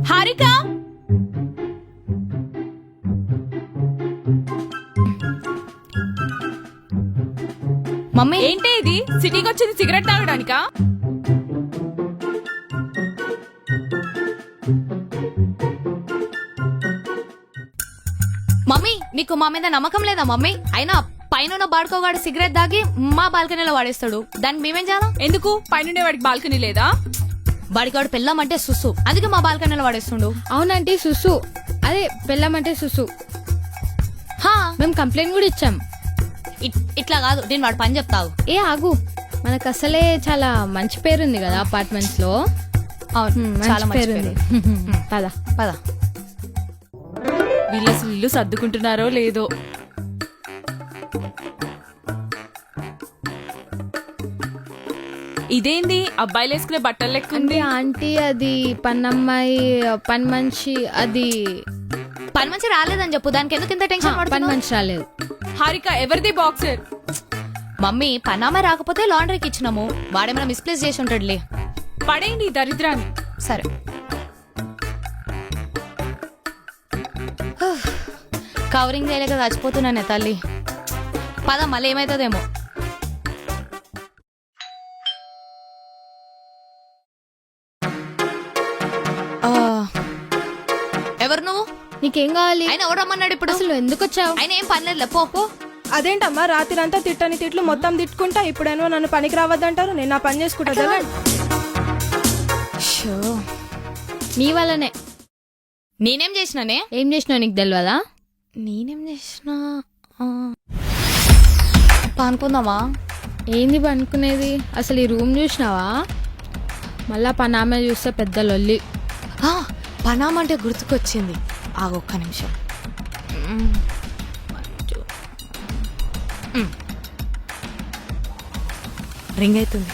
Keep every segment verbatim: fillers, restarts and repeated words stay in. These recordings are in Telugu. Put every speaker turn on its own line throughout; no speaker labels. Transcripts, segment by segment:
హారిక
మమ్మీ
ఏంటి ఇది సిటీకి వచ్చింది సిగరెట్ తాగడానికా?
మమ్మీ నీకు మా మీద నమ్మకం లేదా మమ్మీ? అయినా పైన బాడుకోగాడు సిగరెట్ దాగి మా బాల్కనీలో వాడేస్తాడు, దానికి మేమేం చేయాలా?
ఎందుకు పైనుండే వాడికి బాల్కనీ లేదా?
బాడిగాడు పెళ్ళామంటే సుసు, అందుకే మా బాల్కనీలో వాడేస్తుండు.
అవునంటే సుసు, అదే పెళ్ళామంటే సుసు.
హా
మేము కంప్లైంట్ కూడా ఇచ్చాం.
ఇట్- ఇట్లా కాదు, నేను వాడు పని చెప్తావు.
ఏ ఆగు, మనకు అసలే చాలా మంచి పేరుంది కదా అపార్ట్మెంట్స్ లో.
అవును, చాలా మంచి
పేరుంది.
పేరు.
పద
పద.
వీళ్ళు అసలు ఇల్లు సర్దుకుంటున్నారో లేదో. ఇదేంది అబ్బాయిలు వేసుకునే బట్టలు లెక్క
అంటే
ఉంది?
ఆంటీ అది పన్నమ్మాయి పని మనిషి, అది
పని మంచి రాలేదని చెప్పు, దానికి ఎందుకు ఇంత టెన్షన్
పని
పడుతున్నావు?
మనిషి రాలేదు.
హారిక ఎవరిది బాక్సర్?
మమ్మీ పనామే రాకపోతే లాండ్రీకి ఇచ్చినాము, వాడేమైనా మిస్ప్లేస్ చేసి ఉంటాడులే.
పడేయండి ఈ దరిద్రాన్ని.
సరే. కవరింగ్ చేయలేక చచ్చిపోతున్నానే తల్లి. పద, మళ్ళీ ఏమైతుందేమో. ఆ, ఎవరు నువ్వు?
నీకేం కావాలి?
ఆయన ఎవరు రమ్మన్నాడు ఇప్పుడు?
అసలు ఎందుకు వచ్చావు?
ఆయన ఏం పనిలేదు, పో పో.
అదేంటమ్మా రాత్రి అంతా తిట్టని తిట్లు మొత్తం తిట్టుకుంటా ఇప్పుడేమో నన్ను పనికి రావద్దంటారు, నేను నా పని చేసుకుంటా.
షో.
నీ వల్లనే.
నేనేం చేసినానే?
ఏం చేసినావు నీకు తెలియదా?
నేనేం చేసినా? పానుకుందామా?
ఏంది పనుకునేది? అసలు ఈ రూమ్ చూసినావా? మళ్ళా పనామే చూస్తే పెద్ద లొల్లి.
ఆ, పనామంటే గుర్తుకొచ్చింది, ఆ ఒక్క నిమిషం. మ్మ్. మ్మ్. రింగ్ అవుతుంది.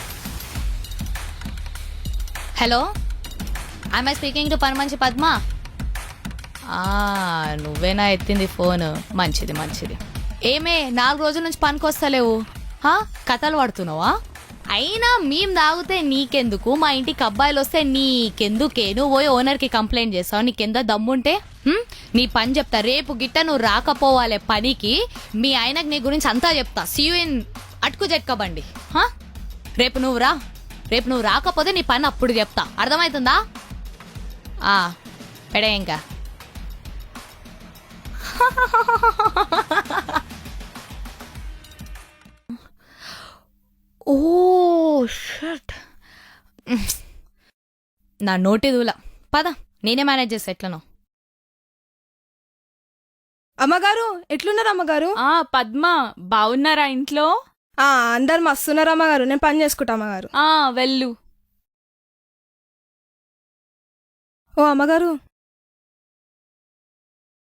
Hello, I am speaking to పని మంచి పద్మ? ఆ, నువ్వేనా ఎత్తింది ఫోన్? మంచిది మంచిది. ఏమే నాలుగు రోజుల నుంచి పనికొస్తలేవు, హా? కథలు పడుతున్నావా? అయినా మేం తాగితే నీకెందుకు, మా ఇంటికి అబ్బాయిలు వస్తే నీకెందుకే? నువ్వు పోయి ఓనర్కి కంప్లైంట్ చేస్తావు, నీకెంత దమ్ముంటే? హ్మ్? నీ పని చెప్తా, రేపు గిట్ట నువ్వు రాకపోవాలి పనికి, మీ ఆయనకు నీ గురించి అంతా చెప్తా. సీ యూ ఇన్ అటుకు జట్కబండి. హా? రేపు నువ్వు రా, రేపు నువ్వు రాకపోతే నీ పని అప్పుడు చెప్తా, అర్థమవుతుందా? ఆ, పెడే ఇంకా. ఓ షట్, నా నోటి దూల. పద, నేనే మేనేజ్ చేస్తా ఎట్లనో.
అమ్మగారు ఎట్లున్నారు అమ్మగారు?
ఆ పద్మ, బాగున్నారా ఇంట్లో?
ఆ అందరు మస్తున్నారు అమ్మగారు, నేను పని చేసుకుంటా అమ్మగారు.
ఆ వెళ్ళు.
ఓ అమ్మగారు